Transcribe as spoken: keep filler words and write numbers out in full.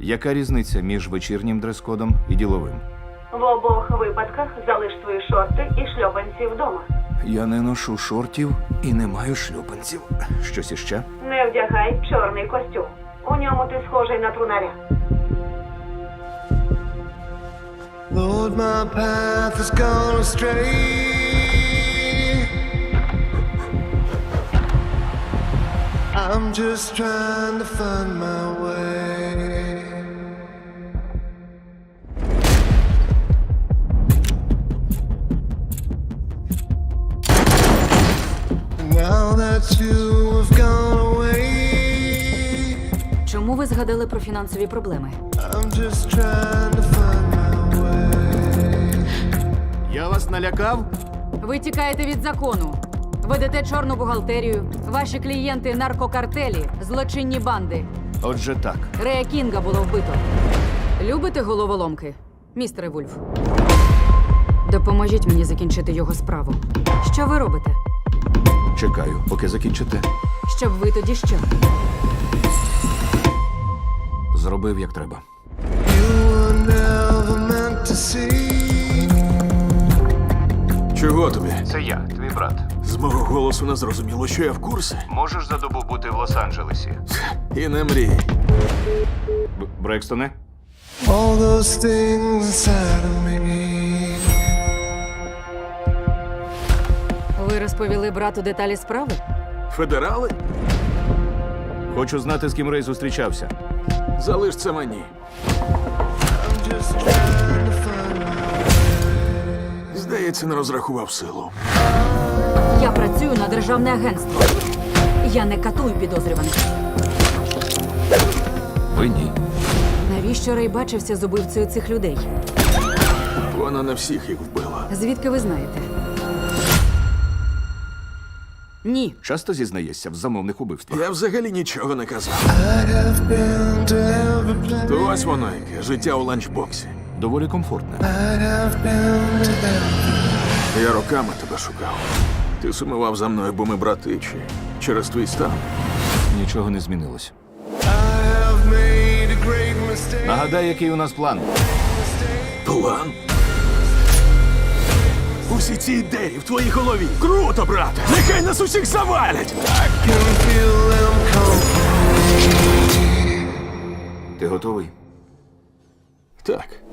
Яка різниця між вечірнім дрес-кодом і діловим? В обох випадках залиш свої шорти і шльопанці вдома. Я не ношу шортів і не маю шлюпанців. Щось іще? Не вдягай чорний костюм. У ньому ти схожий на трунаря. Lord, my path has gone astray. I'm just trying to find my way. Now that you have gone away, Чому ви згадали про фінансові проблеми? I'm just trying to find my way. Я вас налякав? Ви тікаєте від закону. Ведете чорну бухгалтерію. Ваші клієнти – наркокартелі, злочинні банди. Отже так. Рея Кінга було вбито. Любите головоломки, містере Вульф? Допоможіть мені закінчити його справу. Що ви робите? Чекаю, поки закінчите. Щоб ви тоді що? Зробив, як треба. You were never meant to see. Чого тобі? Це я, твій брат. З мого голосу не зрозуміло, що я в курсі. Можеш за добу бути в Лос-Анджелесі? І не мрій. Б- Брекстоне? All those things inside of me. Ви розповіли брату деталі справи? Федерали? Хочу знати, з ким Рей зустрічався. Залиш це мені. I'm just trying to find my Здається, не розрахував силу. Я працюю на державне агентство. Я не катую підозрюваних. Ви ні. Навіщо Рей бачився з убивцею цих людей? Вона не всіх їх вбила. Звідки ви знаєте? Ні. Часто зізнаєшся в замовних убивствах. Я взагалі нічого не казав. I have been to every place. То ось воно яке, життя у ланчбоксі. Доволі комфортне. I have been to every. Я роками тебе шукав. Ти сумував за мною, бо ми брати, чи через твій стан. Нічого не змінилось. I have made a great mistake. Нагадай, який у нас план. План? Усі ці ідеї в твоїй голові. Круто, брате! Нехай нас усіх завалять! Can feel them come. Ти готовий? Так.